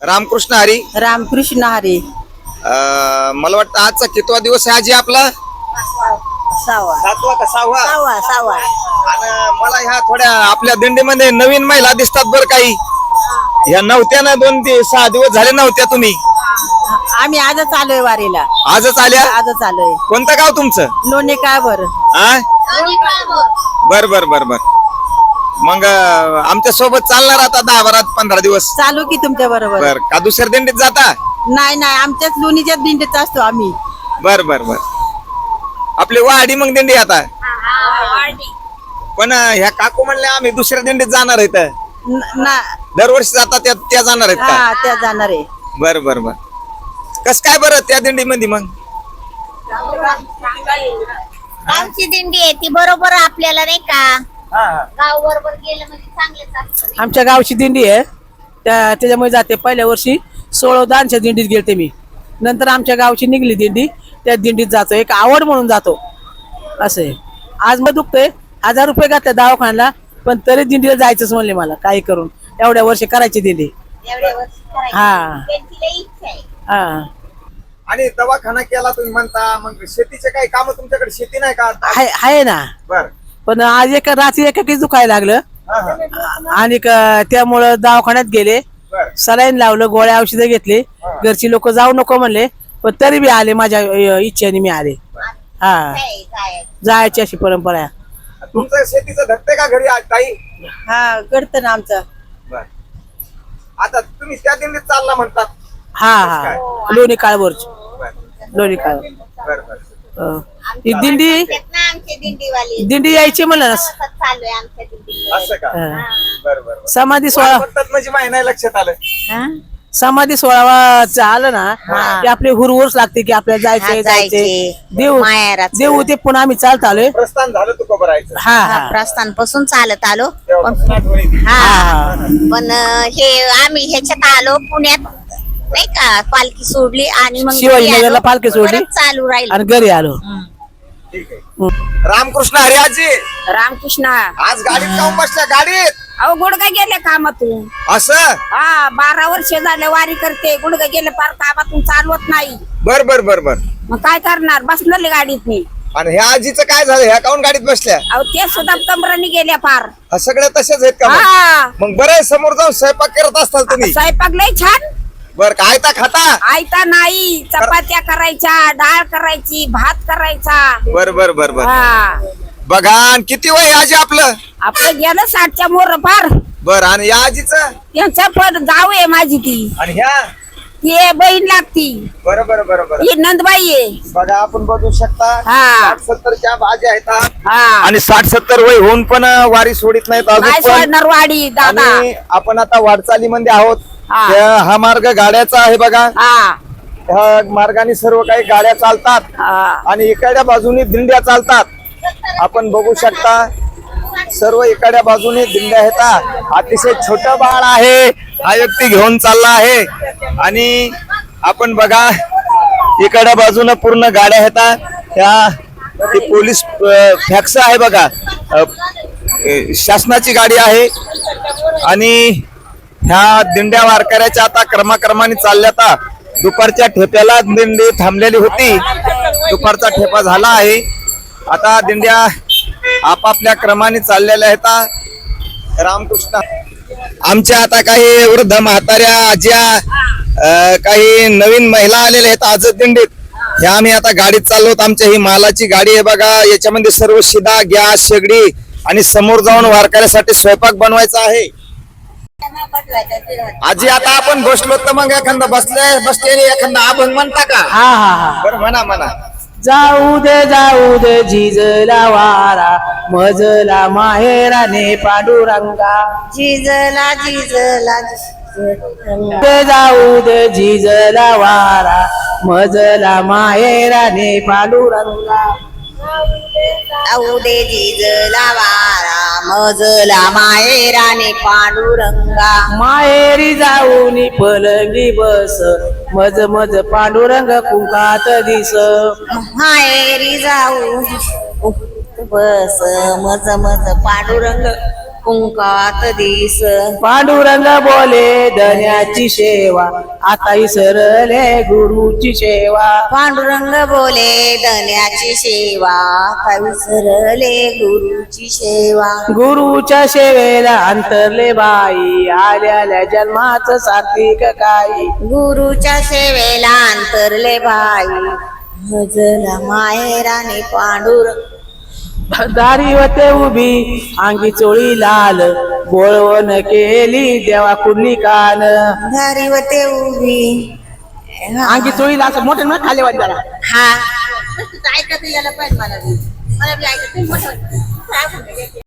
रामकृष्ण हरी. रामकृष्ण हरी. मला वाटतं आजचा कितवा दिवस आहे आजी आपला? सावा. सातवा का सहावा? सावा सावा. आणि मला ह्या थोड्या आपल्या दिंडीमध्ये नवीन महिला दिसतात बरं काही. ह्या नव्हत्या ना 6 दिवस झाले नव्हत्या तुम्ही? आम्ही आजच आलोय वारीला. आजच आल्या? आजच आलोय. कोणतं गाव तुमचं? लोणी काय बर. बर बर बर बर. मग आमच्या सोबत चालणार आता 10-15 दिवस? चालू की तुमच्या बरोबर. बर का दुसऱ्या दिंडीत जाता? नाही नाही, आमच्याच लोणीच्याच दिंडीत असतो आम्ही. बर बर बर. आपली वाडी मग दिंडी आता. पण ह्या काकू म्हणल्या आम्ही दुसऱ्या दिंडीत जाणार आहेत. दरवर्षी जातात त्या जाणार आहेत का? त्या जाणार आहे. बर बर बर. कस काय बरं त्या दिंडीमध्ये मग? गावची दिंडी आहे ती बरोबर आपल्याला नाही का गाव बरोबर गेलं म्हणजे चांगलं. आमच्या गावची दिंडी आहे त्याच्यामुळे जाते. पहिल्या वर्षी 16 दिंडीत गेलते मी. नंतर आमच्या गावची निघली दिंडी, त्या दिंडीत जातो. एक आवड म्हणून जातो असे. आज मग दुखतोय, 1000 रुपये घातले दवाखान्याला, पण तरी दिंडीला जायचंच म्हणले मला. काही करून एवढ्या वर्षी करायची दिंडी. हा हा. आणि दवाखाना केला तुम्ही म्हणता, मग शेतीचे काही काम तुमच्याकडे? शेती नाही का? आहे ना. बर. पण आज रात्री एकाकीच दुखायला लागलं आणि त्यामुळं दवाखान्यात गेले. सलाईन लावलं, गोळ्या औषधं घेतले. घरची लोक जाऊ नको म्हणले, पण तरी बी आले. माझ्या इच्छेने मी आले. हा, जायची अशी परंपरा आहे. तुमचं शेतीचं धकते का घरी काही? हा, घडतं ना आमचं. बर. आता तुम्ही त्या दिंडीत चालला म्हणतात? हा हा, लोणी काळभोरची. लोणी काळभोर. बर बर. ही दिंडी दिंडी यायची म्हणलं ना. चालू आहे आमच्या दिंडी. असं का? बर बर. समाधी सोहळा म्हणजे माहिती नाही लक्षात आलं. समाधी सोहळा आलं ना की आपली हुरहुरच लागते की आपल्याला जायचंय. देऊ ते पुन्हा आम्ही चालत आलोय. प्रस्थान झालं तू खबर आहे? हा हा, प्रस्थान पासून चालत आलो. हा. पण हे आम्ही ह्याच्यात आलो पुण्यात नाही का, पालखी सोडली आणि मग शिवाजीनगरला पालखी सोडली चालू राहील आणि घरी आलो. ठीक आहे. रामकृष्ण हरी आजी. रामकृष्ण. आज गाडीत जाऊन बसल्या गाडीत? अहो गुडघा गेले कामातून. असं? हा, 12 वर्ष झाले वारी करते. गुडघा गेले पार, कामातून चालवत नाही. बर बर बर बर. मग काय करणार, बसणार गाडीत मी. आणि ह्या आजीचं काय झालं? ह्या काऊन गाडीत बसल्या? अहो ते सुद्धा कमराने गेल्या पार. हा, सगळ्या तसेच आहेत का? हा, मग बरं समोर जाऊन स्वयंपाक करत असताल तुम्ही? स्वयंपाक लय छान. बर. काय खाता? आयता नाही, चपात्या करायच्या, डाळ करायची, भात करायचा. बर बर बर बर. हा, बघा. आणि किती वय आजी आपलं? आपलं गेलं 60च्या मोर पार. बर. आणि या आजीचं? त्यांच्या पण जाऊ आहे माझी ती. आणि ह्या? ती बहीण लागती. बरोबर बरोबर. ही नंदबाई आहे. बघा, आपण बघू शकता. हा. 60-70च्या बाजी आहेत. हा, आणि 60-70 वय होऊन पण वारी सोडित नाहीत नाही अजून पण. सोडणार वाडी दादा. आणि आपण आता वाटचालीमध्ये आहोत. हा. हा मार्ग गाड्याचा आहे बघा. हा ह्या मार्गाने सर्व काही गाड्या चालतात हा. आणि इकडच्या बाजूने दिंड्या चालतात. आपण बघू शकता सर्व इकडच्या बाजूने दिंड्या आहेत. अतिशय छोट बाळ आहे, हा व्यक्ती घेऊन चालला आहे. आणि आपण बघा इकडच्या बाजूने पूर्ण गाड्या आहेत. ह्या पोलीस फॅक्स आहे बघा, शासनाची गाडी आहे. आणि ह्या दिंड्या वारकऱ्याच्या आता क्रमाक्रमाने चालल्या. दुपारच्या ठेप्याला दिंडी थांबलेली होती. दुपारचा ठेपा झाला आहे. आता दिंड्या आपापल्या क्रमाने चाललेल्या आहेत. रामकृष्ण. आमच्या आता काही वृद्ध म्हाताऱ्या आज्या, काही नवीन महिला आलेल्या आहेत आज दिंडीत. ह्या आम्ही आता गाडीत चाललो. आमच्या ही मालाची गाडी आहे बघा. याच्यामध्ये सर्व शिदा, गॅस, शेगडी आणि समोर जाऊन वारकऱ्यासाठी स्वयंपाक बनवायचा आहे. आजी आता आपण बसलो तर मग एखादा बसले एखादा अभंग म्हणता का? हा हा हा. बरं म्हणा म्हणा. जाऊ दे झिजला वारा, मजला माहेराने पांडुरंगा. झिजला झिजला जाऊ दे झिजला वारा, मजला माहेराने पांडुरंगा. जाऊ दे झिजला वारा, मजला माहेराने पांडुरंगा. माहेरी जाऊनी पलंगी बस, मज मज पांडुरंग कुंकात दिस. माहेरी जाऊ बस, मज मज पांडुरंग कुंकात दिस पांडुरंग बोले धन्याची सेवा आता इसरले गुरुची सेवा पांडुरंग बोले धन्याची सेवा आता विसरले गुरुची सेवा गुरुच्या सेवेला अंतरले बाई आल्याल्या जन्माचं सात्विक काही गुरुच्या सेवेला अंतरले भाई भजला माहेराने पांडुरंग दारी होते उभी अंगी चोळी लाल बोळवण केली देवा कुर्ली कान धारीवते उभी अंगी चोळी लाल मोठे ना खाली वाटला हा ऐकत यायला पाहिजे मला बी. मला बी ऐकत नाही, मोठं. काय म्हणते?